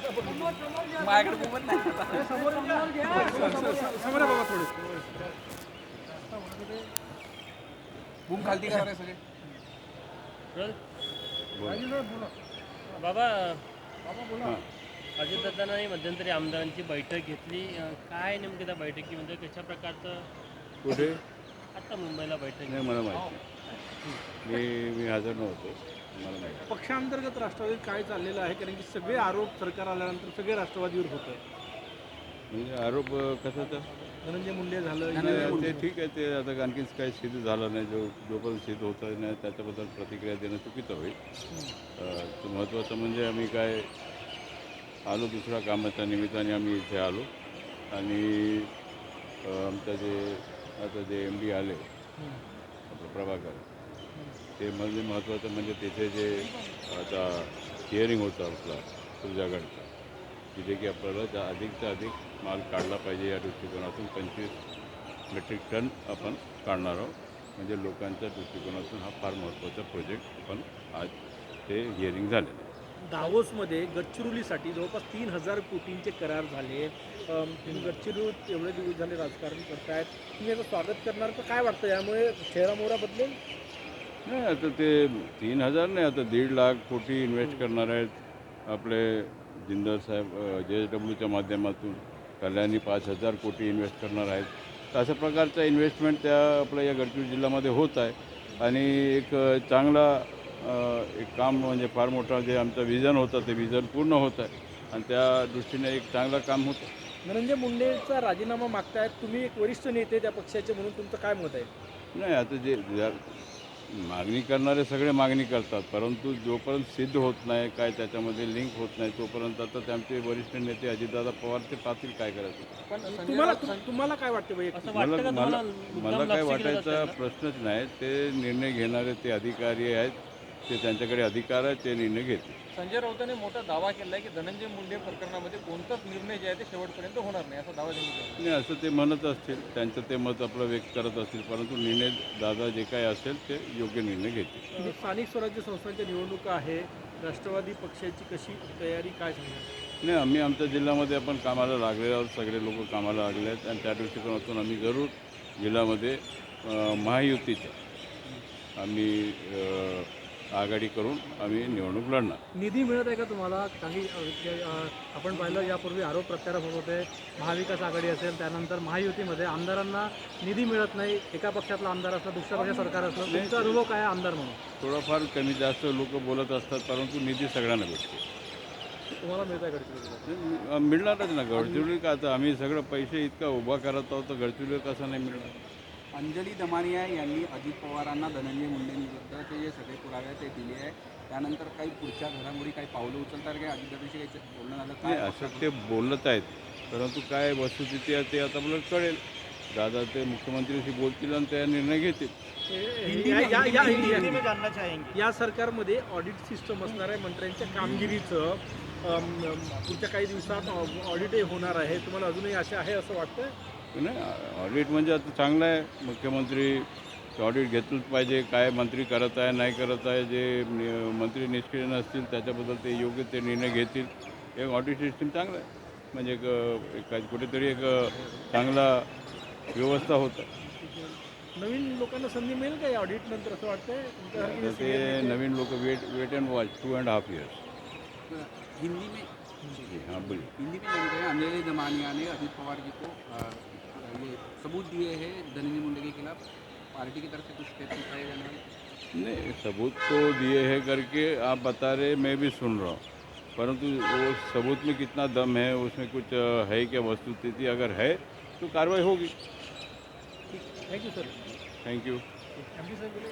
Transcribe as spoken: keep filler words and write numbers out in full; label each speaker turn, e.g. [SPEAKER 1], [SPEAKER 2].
[SPEAKER 1] माझ्याकडे मोबाईल नाही. समोर बाबा थोडे बूम खालती करा सगळे.
[SPEAKER 2] बाबा अजितदादांनी मध्यंतरी आमदारांची बैठक घेतली. काय नेमकं त्या बैठकीमध्ये कशा प्रकारचं
[SPEAKER 3] कुठे
[SPEAKER 2] आता मुंबईला बैठक
[SPEAKER 3] नाही मला माहिती मी मी हजर नव्हतो मला माहिती.
[SPEAKER 1] पक्षांतर्गत राष्ट्रवादीत काय चाललेलं आहे, कारण की सगळे आरोप सरकार आल्यानंतर सगळे राष्ट्रवादीवर होत आहे.
[SPEAKER 3] म्हणजे आरोप कशाचा
[SPEAKER 1] धनंजय मुंडे झालं,
[SPEAKER 3] नाही, ते ठीक आहे. ते आता आणखीन काही सिद्ध झालं नाही. जो जोपर्यंत सिद्ध होत नाही त्याच्याबद्दल प्रतिक्रिया देणं चुकीचं होईल. तो महत्त्वाचं म्हणजे आम्ही काय आलो दुसऱ्या कामाच्या निमित्ताने आम्ही इथे आलो आणि आमचं जे आता जे एम डी आले आपलं प्रभाकर ते म्हणजे महत्त्वाचं म्हणजे तिथे जे आता हिअरिंग होतं आपला तुझ्याकडचं तिथे की आपल्याला जा अधिकचा अधिक माल काढला पाहिजे या दृष्टिकोनातून पंचवीस मेट्रिक टन आपण काढणार आहोत. म्हणजे लोकांच्या दृष्टिकोनातून हा फार महत्त्वाचा प्रोजेक्ट आपण आज ते हिअरिंग झालेलं आहे.
[SPEAKER 1] दावोसमध्ये गडचिरोलीसाठी जवळपास तीन हजार कोटींचे करार झाले. तुम्ही गडचिरोलीत एवढे दिवस झाले राजकारण करतायत, तुम्ही याचं स्वागत करणार तर काय वाटतं, यामुळे चेहरामोहरा बदलेल?
[SPEAKER 3] नाही आता ते तीन हजार नाही, आता दीड लाख कोटी इन्व्हेस्ट करणार आहेत आपले जिंदल साहेब जे एस डब्ल्यूच्या माध्यमातून. कल्याणी पाच हजार कोटी इन्व्हेस्ट करणार आहेत. तर अशा प्रकारचा इन्व्हेस्टमेंट त्या आपल्या या गडचिरोली जिल्ह्यामध्ये होत आहे आणि एक चांगला एक काम म्हणजे फार मोठा जे आमचं विजन होतं ते विजन पूर्ण होत आहे आणि त्या दृष्टीने एक चांगलं काम होतं.
[SPEAKER 1] धनंजय मुंडेचा राजीनामा मागतायत, तुम्ही एक वरिष्ठ नेते त्या पक्षाचे म्हणून तुमचं काय मत आहे?
[SPEAKER 3] नाही आता जे मागणी करणारे सगळे मागणी करतात, परंतु जोपर्यंत सिद्ध होत नाही काय त्याच्यामध्ये लिंक होत नाही तोपर्यंत आता त्यांचे वरिष्ठ नेते अजितदादा पवार ते पाहतील काय करायचं.
[SPEAKER 1] पण तुम्हाला तुम्हाला काय वाटतं वैयक्तिक?
[SPEAKER 3] मला मला मला काय वाटायचा प्रश्नच नाही. ते निर्णय घेणारे ते अधिकारी आहेत, ते त्यांच्याकडे अधिकार आहे, ते निर्णय घेतील.
[SPEAKER 4] संजय राऊतांनी मोठा दावा केला आहे की धनंजय मुंडे प्रकरणामध्ये कोणताच निर्णय जे आहे ते शेवटपर्यंत होणार नाही असा दावा त्यांनी केला.
[SPEAKER 3] नाही असं ते म्हणत असतील, त्यांचं ते मत आपलं व्यक्त करत असतील, परंतु निर्णय दादा जे काय असेल ते योग्य निर्णय घेतील.
[SPEAKER 1] स्थानिक स्वराज्य संस्थांच्या निवडणुका आहे, राष्ट्रवादी पक्षाची कशी तयारी काय सांगणार?
[SPEAKER 3] नाही आम्ही आमच्या जिल्ह्यामध्ये आपण कामाला लागलेलो आहोत, सगळे लोक कामाला लागले आहेत आणि त्या दृष्टिकोनातून आम्ही जरूर जिल्ह्यामध्ये महायुतीच्या आम्ही आघाडी करून आम्ही निवडणूक लढणार.
[SPEAKER 1] निधी मिळत आहे का तुम्हाला? काही आपण पाहिलं यापूर्वी आरोप प्रत्यारोप होत होते, महाविकास आघाडी असेल त्यानंतर महायुतीमध्ये आमदारांना निधी मिळत नाही. एका पक्षातला आमदार असला दुसऱ्या पक्षात सरकार असलं, तुमचा अनुभव काय आमदार म्हणून?
[SPEAKER 3] थोडाफार कमी जास्त लोक बोलत असतात, परंतु निधी सगळ्यांना भेटतो.
[SPEAKER 1] तुम्हाला मिळत आहे गडचिरोलीला?
[SPEAKER 3] मिळणारच ना. गडचिरोली का आता आम्ही सगळं पैसे इतका उभा करत आहोत तर गडचिरोली कसं नाही मिळणार.
[SPEAKER 5] अंजली दमानिया यांनी अजित पवारांना धनंजय मुंडेंविरुद्धचे जे सगळे पुरावे आहेत ते दिले आहे. त्यानंतर काही पुढच्या घडामोडी काही पावलं उचलतात काय? अजितदादांशी काही बोलणं झालं
[SPEAKER 3] नाही
[SPEAKER 5] काय?
[SPEAKER 3] असं ते बोलत आहेत, परंतु काय वस्तुस्थिती आहे ते आता मला कळेल. दादा ते मुख्यमंत्र्यांशी बोलतील आणि त्या निर्णय घेतील.
[SPEAKER 1] या सरकारमध्ये ऑडिट सिस्टम असणार आहे, मंत्र्यांच्या कामगिरीचं पुढच्या काही दिवसात ऑडिटही होणार आहे. तुम्हाला अजूनही आशा आहे असं वाटतं?
[SPEAKER 3] नाही ऑडिट म्हणजे आता चांगलं आहे. मुख्यमंत्री ऑडिट घेतलंच पाहिजे, काय मंत्री करत आहे नाही करत आहे. जे मंत्री निष्क्रिय नसतील त्याच्याबद्दल ते योग्य ते निर्णय घेतील. एक ऑडिट सिस्टीम चांगलं आहे म्हणजे एक एक कुठेतरी एक चांगला व्यवस्था होतं.
[SPEAKER 1] नवीन लोकांना संधी मिळेल का या ऑडिट नंतर असं वाटतंय?
[SPEAKER 3] ते नवीन लोक wait wait and watch two and half years.
[SPEAKER 5] Hindi में
[SPEAKER 3] हाँ बोलिए.
[SPEAKER 5] हिंदी में जान रहे हैं अंजलि दमानिया ने अजित पवार जी को आ, ये सबूत दिए हैं धनंजय मुंडे के खिलाफ. पार्टी की तरफ से कुछ स्टेप उठाए जाने वाले?
[SPEAKER 3] नहीं सबूत तो दिए है करके आप बता रहे, मैं भी सुन रहा हूँ, परंतु वो सबूत में कितना दम है, उसमें कुछ है क्या वस्तुस्थिति, अगर है तो कार्रवाई होगी.
[SPEAKER 1] Thank you sir.
[SPEAKER 3] Thank you.
[SPEAKER 1] M D Saheb